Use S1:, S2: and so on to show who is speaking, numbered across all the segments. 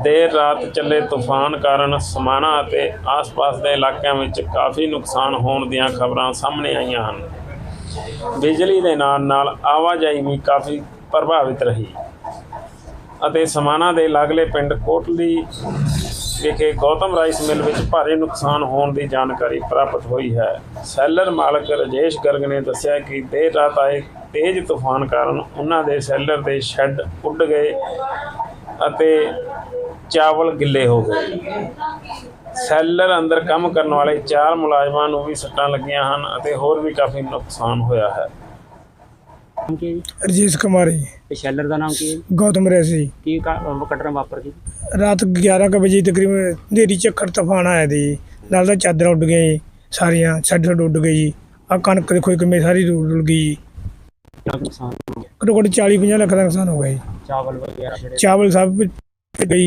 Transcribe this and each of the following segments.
S1: देर रात चले तूफान कारण समाना ਅਤੇ ਆਸ-ਪਾਸ ਦੇ ਇਲਾਕਿਆਂ ਵਿੱਚ ਕਾਫੀ ਨੁਕਸਾਨ ਹੋਣ ਦੀਆਂ ਖਬਰਾਂ ਸਾਹਮਣੇ ਆਈਆਂ ਹਨ। ਬਿਜਲੀ ਦੇ ਨਾਲ ਆਵਾਜਾਈ ਵੀ ਕਾਫੀ ਪ੍ਰਭਾਵਿਤ ਰਹੀ ਅਤੇ ਸਮਾਣਾ ਦੇ ਲਾਗਲੇ ਪਿੰਡ ਕੋਟਲੀ ਵਿਖੇ ਗੌਤਮ ਰਾਈਸ ਮਿਲ ਵਿੱਚ ਭਾਰੀ ਨੁਕਸਾਨ ਹੋਣ ਦੀ ਜਾਣਕਾਰੀ ਪ੍ਰਾਪਤ ਹੋਈ ਹੈ। ਸੈਲਰ ਮਾਲਕ ਰਾਜੇਸ਼ ਗਰਗ ਨੇ ਦੱਸਿਆ ਕਿ ਦੇਰ ਰਾਤ ਆਏ ਤੇਜ਼ ਤੂਫਾਨ ਕਾਰਨ ਉਹਨਾਂ ਦੇ ਸੈਲਰ ਦੇ ਸ਼ੈੱਡ ਉੱਡ ਗਏ ਅਤੇ ਚਾਵਲ ਗਿੱਲੇ ਹੋ ਗਏ। ਸੈਲਰ ਅੰਦਰ ਕੰਮ ਕਰਨ ਵਾਲੇ 4 ਮੁਲਾਜ਼ਮਾਂ ਨੂੰ ਵੀ ਸੱਟਾਂ ਲੱਗੀਆਂ ਹਨ ਅਤੇ ਹੋਰ ਵੀ ਕਾਫੀ ਨੁਕਸਾਨ ਹੋਇਆ ਹੈ।
S2: रजेश कुमार जी।
S3: शैलर का नाम की है?
S2: गौतम रैस जी।
S3: की घटना वापर की?
S2: रात 11 बजे तकरीबन अंधेरी झक्खड़ तूफान आया थी, नाल दा चादर उड़ गई सारियां, छड़ उड़ गई जी। आ कणक देखो किमें सारी उड़ गई। घट्टो घट्ट 40-50 लाख का नुकसान हो गया जी।
S3: चावल वगैरह
S2: चावल सब गई।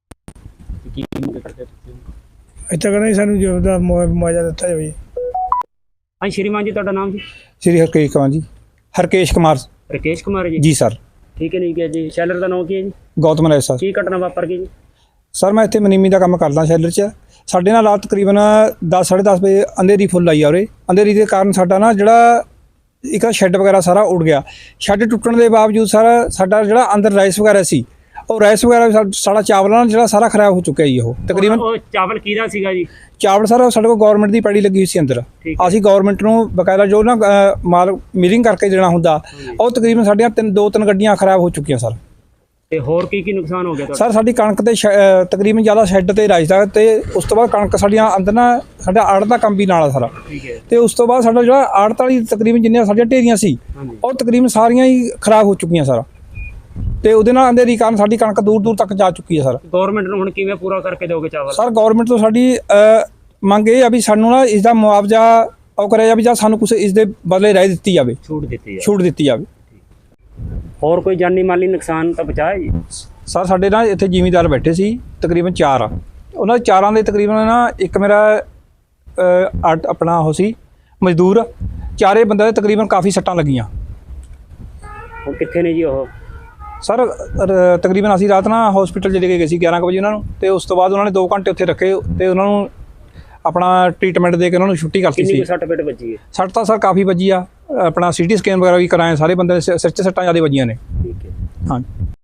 S2: इतना कहना सानू जो मुआवजा दिता जाए।
S3: हाँ श्रीमान जी, तुहाडा नाम जी?
S4: श्री हरकेश कुमार जी। हरकेश कुमार।
S3: राकेश कुमार जी?
S4: जी सर।
S3: ठीक है, नहीं क्या जी। शैलर का नाम की है जी?
S4: गौतम राय सर।
S3: की घटना वापर की जी?
S4: सर मैं इत्थे मनीमी का काम करदा शैलर च। साडे नाल रात तकरीबन 10 साढ़े 10 बजे अंधेरी फुੱਲ आई आ उरे। अंधेरी के कारण साडा ना जिहड़ा एक शैड वगैरह सारा उड़ गया। शैड टुੱਟਣ ਦੇ ਬਾਵਜੂਦ सारा साडा जिहड़ा अंदर राइस वगैरह सी और राइस वगैरह साडा चावल ना जिहड़ा सारा खराब हो चुका जी। ਉਹ ਤਕਰੀਬਨ
S3: ਚਾਵਲ ਕਿਹਦਾ ਸੀਗਾ ਜੀ?
S4: ਚਾਵਲ ਸਰ ਸਾਡੇ ਕੋਲ ਗਵਰਨਮੈਂਟ ਦੀ ਪੈੜੀ ਲੱਗੀ ਹੋਈ ਸੀ ਅੰਦਰ। ਅਸੀਂ ਗਵਰਨਮੈਂਟ ਨੂੰ ਬਕਾਇਦਾ ਜੋ ਨਾ ਮਾਲ ਮਿਲਿੰਗ ਕਰਕੇ ਦੇਣਾ ਹੁੰਦਾ, ਉਹ ਤਕਰੀਬਨ ਸਾਡੀਆਂ 2-3 ਗੱਡੀਆਂ ਖਰਾਬ ਹੋ ਚੁੱਕੀਆਂ ਸਰ।
S3: ਤੇ ਹੋਰ ਕੀ ਨੁਕਸਾਨ ਹੋ ਗਿਆ
S4: ਸਰ ਸਾਡੀ ਕਣਕ ਤੇ ਤਕਰੀਬਨ ਜ਼ਿਆਦਾ ਸ਼ੈੱਡ ਤੇ ਰਾਈਸ ਦਾ, ਤੇ ਉਸ ਤੋਂ ਬਾਅਦ ਕਣਕ ਸਾਡੀਆਂ ਅੰਦਰ ਨਾ ਸਾਡਾ ਆੜਤ ਦਾ ਕੰਮ ਵੀ ਨਾਲ ਆ ਸਾਰਾ। ਤੇ ਉਸ ਤੋਂ ਬਾਅਦ ਸਾਡਾ ਜਿਹੜਾ ਆੜਤ ਵਾਲੀ ਤਕਰੀਬਨ ਜਿੰਨੀਆਂ ਸਾਡੀਆਂ ਢੇਰੀਆਂ ਸੀ ਉਹ ਤਕਰੀਬਨ ਸਾਰੀਆਂ ਹੀ ਖਰਾਬ ਹੋ ਚੁੱਕੀਆਂ ਸਰ। ਤੇ ਉਹਦੇ ਨਾਲ ਅੰਧੇਰੀ ਕਾਰਨ ਸਾਡੀ ਕਣਕ ਦੂਰ ਤੱਕ ਜਾ ਚੁੱਕੀ ਹੈ ਸਰ।
S3: ਗਵਰਨਮੈਂਟ ਨੂੰ ਹੁਣ ਕਿਵੇਂ ਪੂਰਾ ਕਰਕੇ ਦਿਓਗੇ ਚਾਵਲ?
S4: ਸਰ ਗਵਰਨਮੈਂਟ ਤੋਂ ਸਾਡੀ ਮੰਗ ਇਹ ਆ ਵੀ ਸਾਨੂੰ ਨਾ ਇਸ ਦਾ ਮੁਆਵਜ਼ਾ ਉਹ ਕਰਿਆ ਜਾਵੇ, ਜਾਂ ਸਾਨੂੰ ਕੁਛ ਇਸ ਦੇ ਬਦਲੇ ਰਾਏ ਦਿੱਤੀ ਜਾਵੇ, ਛੂਟ ਦਿੱਤੀ ਜਾਵੇ।
S3: ਹੋਰ ਕੋਈ ਜਾਨੀ ਮਾਲੀ ਨੁਕਸਾਨ ਤਾਂ ਬਚਾਇਆ ਜੀ?
S4: ਸਰ ਸਾਡੇ ਨਾਲ ਇੱਥੇ ਜ਼ਿਮੀਂਦਾਰ ਬੈਠੇ ਸੀ ਤਕਰੀਬਨ 4 ਆ। ਉਹਨਾਂ ਦੇ 4 ਦੇ ਤਕਰੀਬਨ ਨਾ ਇੱਕ ਮੇਰਾ ਆਪਣਾ ਉਹ ਸੀ ਮਜ਼ਦੂਰ। 4 ਬੰਦਿਆਂ ਦੇ ਤਕਰੀਬਨ ਕਾਫੀ ਸੱਟਾਂ ਲੱਗੀਆਂ।
S3: ਉਹ ਕਿੱਥੇ ਨੇ ਜੀ ਉਹ?
S4: ਸਰ ਤਕਰੀਬਨ ਅਸੀਂ ਰਾਤ ਨਾ ਹਸਪੀਟਲ ਚਲੇ ਗਏ ਸੀ 11 ਵਜੇ ਉਹਨਾਂ ਨੂੰ, ਤੇ ਉਸ ਤੋਂ ਬਾਅਦ ਉਹਨਾਂ ਨੇ 2 ਘੰਟੇ ਉੱਥੇ ਰੱਖੇ ਤੇ ਉਹਨਾਂ ਨੂੰ ਆਪਣਾ ਟ੍ਰੀਟਮੈਂਟ ਦੇ ਕੇ ਉਹਨਾਂ ਨੂੰ ਛੁੱਟੀ ਕਰਤੀ ਸੀ।
S3: ਕਿੰਨੀ ਸੱਟ ਪੇਟ ਵੱਜੀ ਹੈ?
S4: ਸੱਟ ਤਾਂ ਸਰ ਕਾਫੀ ਵੱਜੀ ਆ। ਆਪਣਾ CT ਸਕੈਨ ਵਗੈਰਾ ਵੀ ਕਰਾਏ, ਸਾਰੇ ਬੰਦੇ ਦੇ ਸਿਰ 'ਚ ਸੱਟਾਂ ਜ਼ਿਆਦਾ ਵੱਜੀਆਂ ਨੇ।
S3: ਠੀਕ ਹੈ।
S4: ਹਾਂ।